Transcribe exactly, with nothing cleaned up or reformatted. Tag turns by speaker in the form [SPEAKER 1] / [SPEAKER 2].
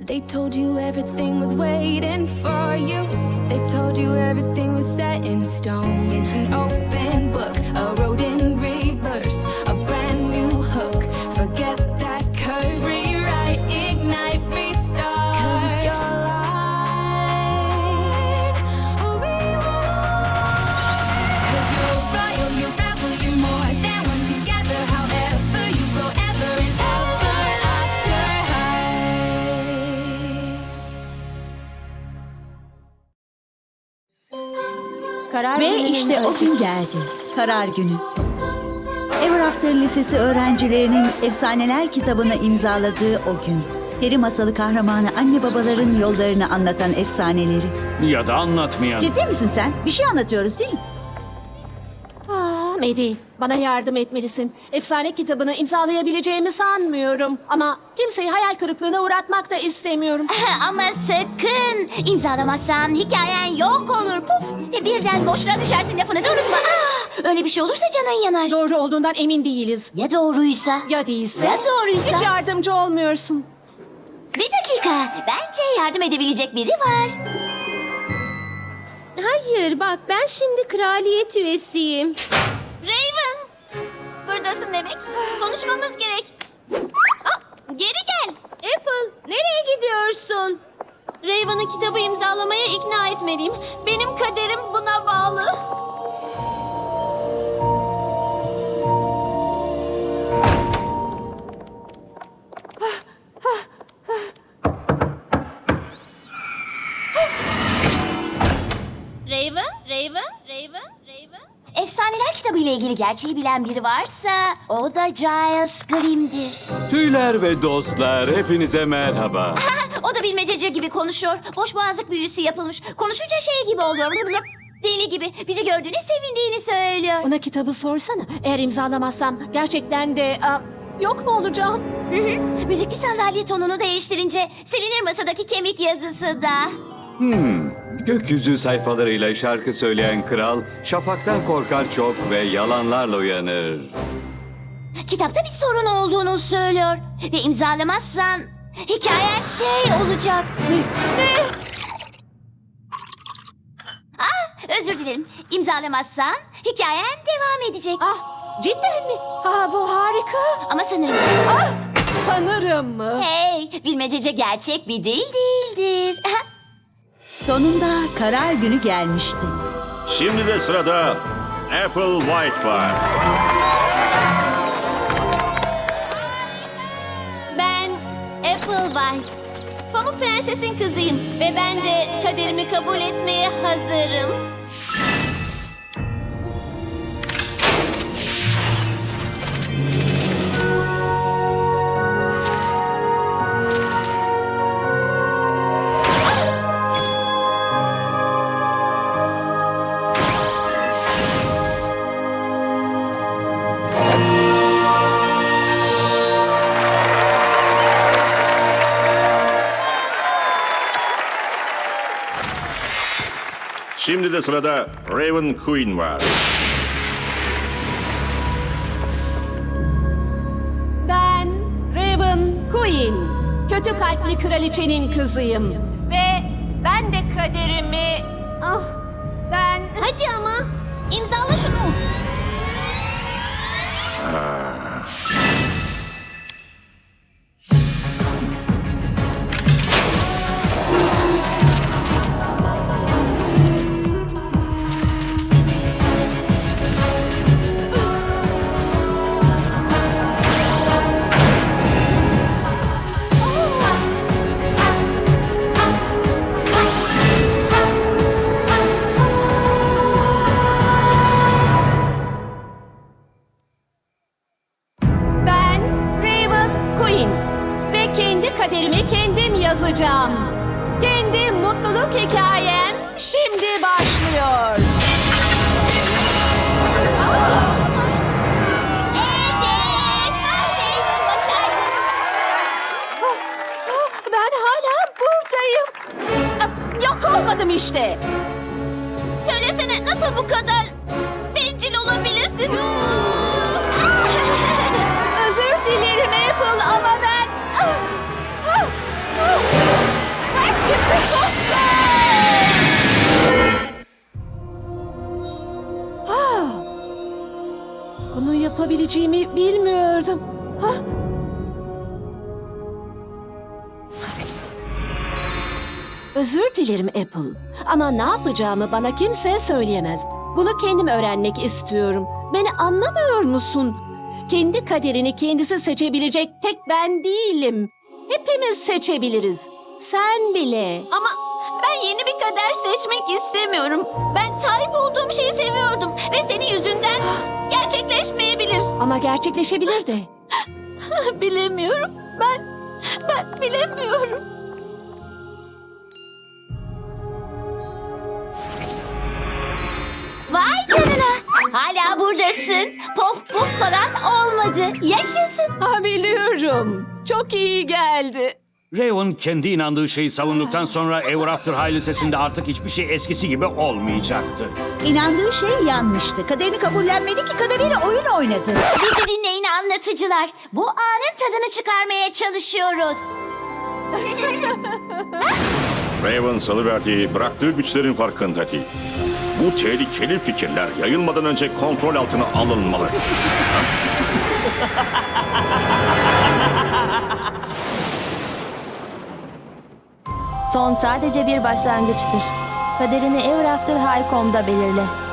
[SPEAKER 1] They told you everything was waiting for you. They told you everything was set in stone. It's an open book, a road in reverse, a brand new hook. Forget that curse. Rewrite, ignite, restart. 'Cause it's your life. Or reward. 'Cause you're royal, you're rebel, you're more than one together. However you go, ever and ever after high.
[SPEAKER 2] Karar
[SPEAKER 3] Ve
[SPEAKER 2] gününün
[SPEAKER 3] işte o gün
[SPEAKER 2] öyküsü.
[SPEAKER 3] geldi. Karar günü. Ever After Lisesi öğrencilerinin efsaneler kitabını imzaladığı o gün. Peri masalı kahramanı anne babaların yollarını anlatan efsaneleri.
[SPEAKER 4] Ya da anlatmayan.
[SPEAKER 3] Ciddi misin sen? Bir şey anlatıyoruz değil mi?
[SPEAKER 2] Ah Medi, bana yardım etmelisin. Efsane kitabını imzalayabileceğimi sanmıyorum. Ama kimseyi hayal kırıklığına uğratmak da istemiyorum.
[SPEAKER 5] Ama sakın imzalamazsan hikayen yok olur. Puf ve birden boşluğa düşersin, lafını da unutma. Ah, öyle bir şey olursa canın yanar.
[SPEAKER 2] Doğru olduğundan emin değiliz.
[SPEAKER 5] Ya doğruysa?
[SPEAKER 2] Ya değilse?
[SPEAKER 5] Ya doğruysa?
[SPEAKER 2] Hiç yardımcı olmuyorsun.
[SPEAKER 5] Bir dakika, bence yardım edebilecek biri var.
[SPEAKER 6] Hayır bak ben şimdi kraliyet üyesiyim.
[SPEAKER 5] Raven, buradasın demek. Konuşmamız gerek. Aa, geri gel.
[SPEAKER 6] Apple nereye gidiyorsun?
[SPEAKER 5] Raven'ı kitabı imzalamaya ikna etmeliyim. Benim kaderim buna bağlı. Raven, Raven, Raven, Raven. Efsaneler kitabı ile ilgili gerçeği bilen biri varsa o da Giles Grimm'dir.
[SPEAKER 7] Tüyler ve dostlar, hepinize merhaba.
[SPEAKER 5] O da bilmececi gibi konuşuyor. Boş boğazlık büyüsü yapılmış. Konuşunca şey gibi oluyor. Deli gibi. Bizi gördüğüne sevindiğini söylüyor.
[SPEAKER 2] Ona kitabı sorsana. Eğer imzalamazsam gerçekten de aa, yok mu olacağım?
[SPEAKER 5] Hı hı. Müzikli sandalye tonunu değiştirince silinir masadaki kemik yazısı da.
[SPEAKER 7] Hmm, gökyüzü sayfalarıyla şarkı söyleyen kral, şafaktan korkar çok ve yalanlarla uyanır.
[SPEAKER 5] Kitapta bir sorun olduğunu söylüyor. Ve imzalamazsan hikayen şey olacak. Ne? Ne? Ah, özür dilerim. İmzalamazsan hikayen devam edecek.
[SPEAKER 2] Ah, cidden mi? Ah, bu harika.
[SPEAKER 5] Ama sanırım...
[SPEAKER 2] Ah, sanırım mı?
[SPEAKER 5] Hey, bilmecece gerçek bir dil değildir.
[SPEAKER 3] Sonunda karar günü gelmişti.
[SPEAKER 8] Şimdi de sırada Apple White var.
[SPEAKER 5] Ben Apple White. Pamuk Prenses'in kızıyım ve ben de kaderimi kabul etmeye hazırım.
[SPEAKER 8] Şimdi de sırada Raven Queen var.
[SPEAKER 2] Ben Raven Queen. Kötü kalpli kraliçenin kızıyım. Ve ben de kaderimi... Ah, ben...
[SPEAKER 5] Hadi ama imzala şunu.
[SPEAKER 2] Ben Raven Queen. Ve kendi kaderimi kendim yazacağım. Kendi mutluluk hikayem şimdi başlıyor.
[SPEAKER 5] Evet. Raven başardın.
[SPEAKER 2] Ah, ah, ben hala buradayım. Ah, yok olmadım işte.
[SPEAKER 5] Söylesene nasıl bu kadar bencil olabilirsin?
[SPEAKER 2] Özür dilerim Apple ama ben... Ah, ah, ah. yapabileceğimi bilmiyordum. Hah. Özür dilerim Apple. Ama ne yapacağımı bana kimse söyleyemez. Bunu kendim öğrenmek istiyorum. Beni anlamıyor musun? Kendi kaderini kendisi seçebilecek tek ben değilim. Hepimiz seçebiliriz. Sen bile.
[SPEAKER 5] Ama ben yeni bir kader seçmek istemiyorum. Ben sahip olduğum şeyi seviyordum ve senin yüzünden gerçekleşmeyebilir.
[SPEAKER 2] Ama gerçekleşebilir de.
[SPEAKER 5] Bilemiyorum. Ben ben bilemiyorum. Vay canına. Hala buradasın. Pof puf falan olmadı. Yaşasın.
[SPEAKER 2] Ha, biliyorum. Çok iyi geldi.
[SPEAKER 4] Raven kendi inandığı şeyi savunduktan sonra Ever After High Lisesi'nde artık hiçbir şey eskisi gibi olmayacaktı.
[SPEAKER 3] İnandığı şey yanlıştı. Kaderini kabullenmedi ki kaderiyle oyun oynadı.
[SPEAKER 5] Bizi dinleyin anlatıcılar. Bu anın tadını çıkarmaya çalışıyoruz.
[SPEAKER 8] Raven salıverdiği, bıraktığı güçlerin farkında değil. Bu tehlikeli fikirler yayılmadan önce kontrol altına alınmalı.
[SPEAKER 6] Son sadece bir başlangıçtır. Kaderini Ever After High nokta com'da belirle.